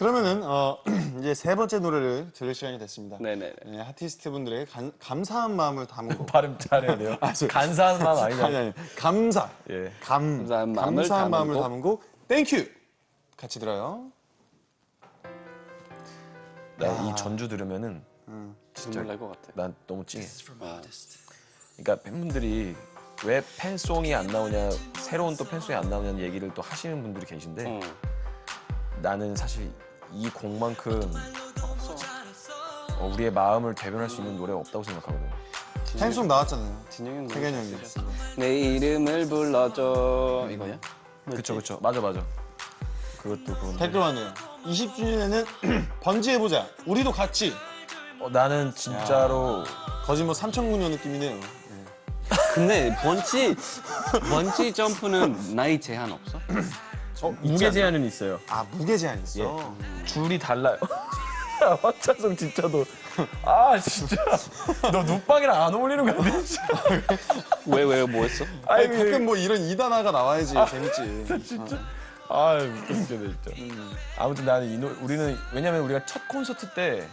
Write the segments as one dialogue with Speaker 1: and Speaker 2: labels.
Speaker 1: 그러면은 이제 세 번째 노래를 들을 시간이 됐습니다.
Speaker 2: 네네.
Speaker 1: 네, 아티스트 분들에게 감사한 마음을 담은 곡.
Speaker 3: 발음 잘해야 돼요. 간사한 마음 아니잖아요.
Speaker 1: 아니 감사.
Speaker 3: 예.
Speaker 2: 감사한 마음을
Speaker 1: 담은 곡. 땡큐. 같이 들어요.
Speaker 3: 나 이 전주 들으면은
Speaker 2: 진짜 놀랄 것 같아.
Speaker 3: 난 너무 찡해. 그러니까 팬분들이 왜 팬송이 안 나오냐, 새로운 또 팬송이 안 나오냐는 얘기를 또 하시는 분들이 계신데 나는 사실 이 곡만큼 우리의 마음을 대변할 수 있는 노래가 없다고 생각하거든.
Speaker 1: 팬송 나왔잖아요.
Speaker 2: 진영이 형
Speaker 1: 태견이 형이.
Speaker 2: 내 이름을 불러줘 이거야?
Speaker 3: 그쵸. 맞아. 그것도 그건.
Speaker 1: 댓글 왔네요. 20주년에는 번지해보자. 우리도 같이.
Speaker 3: 나는 진짜로
Speaker 1: 거의 뭐 3,009년 느낌이네요.
Speaker 2: 근데 번지 점프는 나이 제한 없어?
Speaker 3: 무게 제한은 있어요.
Speaker 1: 아 무게 제한 있어.
Speaker 3: 줄이 달라요. 황찬성 진짜도 진짜 너 눕방이랑 안 어울리는 거 아니야? 진짜.
Speaker 2: 왜 뭐 했어?
Speaker 1: 아니 가끔 뭐 이런 2단화가 나와야지 재밌지.
Speaker 3: 진짜. 웃겨 진짜. 아무튼 나는 우리는 왜냐면 우리가 첫 콘서트 때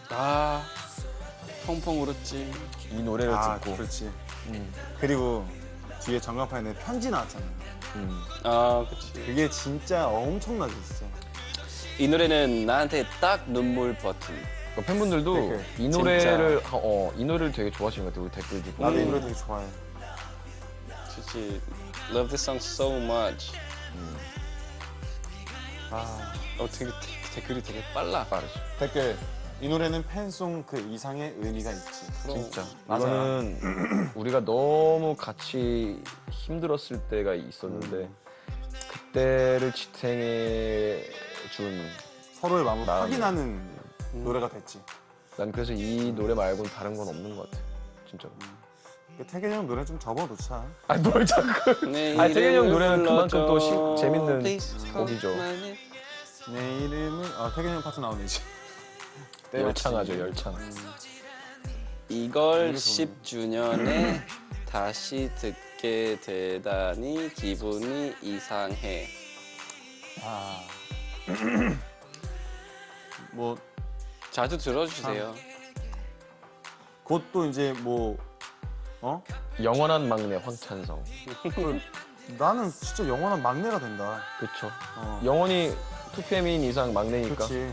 Speaker 2: 펑펑 울었지.
Speaker 3: 이 노래를 듣고
Speaker 1: 그렇지. 그리고 뒤에 전광판에 편지 나왔잖아요.
Speaker 2: 그치.
Speaker 1: 그게 진짜 엄청나지 진짜.
Speaker 2: 이 노래는 나한테 딱 눈물 버튼.
Speaker 3: 팬분들도
Speaker 1: 댓글.
Speaker 3: 이 노래를 이 노래를 되게 좋아하시는 것 같아요. 우리 댓글도 보고.
Speaker 1: 나도 이 노래 되게 좋아해.
Speaker 2: 진짜 love this song so much. 되게 댓글이 되게 빨라.
Speaker 3: 빠르죠.
Speaker 1: 댓글. 이 노래는 팬송 그 이상의 의미가 있지.
Speaker 3: 진짜.
Speaker 1: 맞아.
Speaker 3: 이거는 우리가 너무 같이 힘들었을 때가 있었는데 그때를 지탱해 준.
Speaker 1: 서로의 마음을
Speaker 3: 마음을.
Speaker 1: 확인하는 노래가 됐지.
Speaker 3: 난 그래서 이 노래 말고는 다른 건 없는 것 같아. 진짜로.
Speaker 1: 태균이 형 노래 좀 접어놓자.
Speaker 3: 뭘 자꾸. 태균이 형 노래는 그만큼 또 재밌는 곡이죠.
Speaker 1: 내 이름은 태균이 형 파트 나오네 이제.
Speaker 3: 열창하죠, 열창.
Speaker 2: 이걸 10주년에 다시 듣게 되다니 기분이 이상해.
Speaker 1: 뭐
Speaker 2: 자주 들어주세요.
Speaker 1: 곧 또 이제 뭐
Speaker 3: 영원한 막내 황찬성.
Speaker 1: 나는 진짜 영원한 막내가 된다.
Speaker 3: 그쵸. 영원히 2PM인 이상 막내니까.
Speaker 1: 그렇지.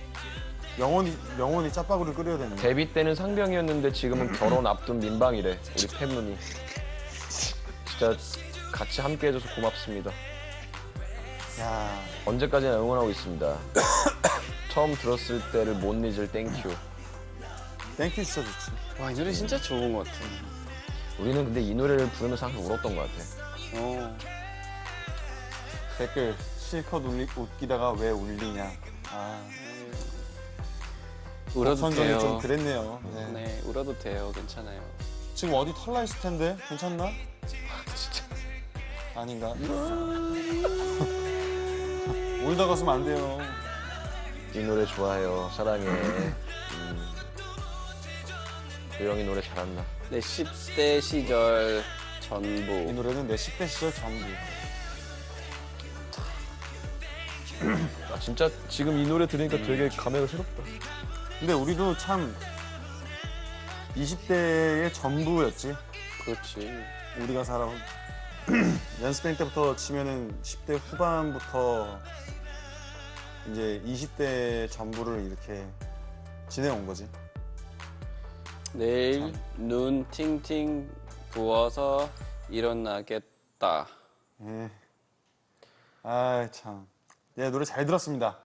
Speaker 1: 영원히 짜파구를 끓여야 되는 거야.
Speaker 3: 데뷔 때는 상병이었는데 지금은 결혼 앞둔 민방이래. 우리 팬분이. 진짜 같이 함께 해줘서 고맙습니다.
Speaker 1: 야,
Speaker 3: 언제까지나 응원하고 있습니다. 처음 들었을 때를 못 잊을 땡큐.
Speaker 1: 땡큐 진짜 좋지.
Speaker 2: 와, 이 노래 진짜 좋은 것 같아.
Speaker 3: 우리는 근데 이 노래를 부르면서 항상 울었던 것 같아.
Speaker 1: 댓글 실컷 웃기다가 왜 울리냐.
Speaker 2: 울어도
Speaker 1: 선정이
Speaker 2: 돼요.
Speaker 1: 좀 그랬네요.
Speaker 2: 네, 울어도 돼요. 괜찮아요.
Speaker 1: 지금 어디 털나 있을 텐데 괜찮나?
Speaker 3: 진짜.
Speaker 1: 아닌가? 울다 갔으면 안 돼요.
Speaker 3: 이 노래 좋아해요. 사랑해. 조영이 노래 잘한다.
Speaker 2: 내 10대 시절
Speaker 1: 이
Speaker 2: 전부.
Speaker 1: 노래는 내 10대 시절 전부.
Speaker 3: 진짜 지금 이 노래 들으니까 되게 감회가 새롭다.
Speaker 1: 근데 우리도 참 20대의 전부였지.
Speaker 2: 그렇지.
Speaker 1: 우리가 살아온 연습생 때부터 치면은 10대 후반부터 이제 20대 전부를 이렇게 지내온 거지.
Speaker 2: 내일 눈 팅팅 부어서 일어나겠다.
Speaker 1: 예. 아 참. 예, 노래 잘 들었습니다.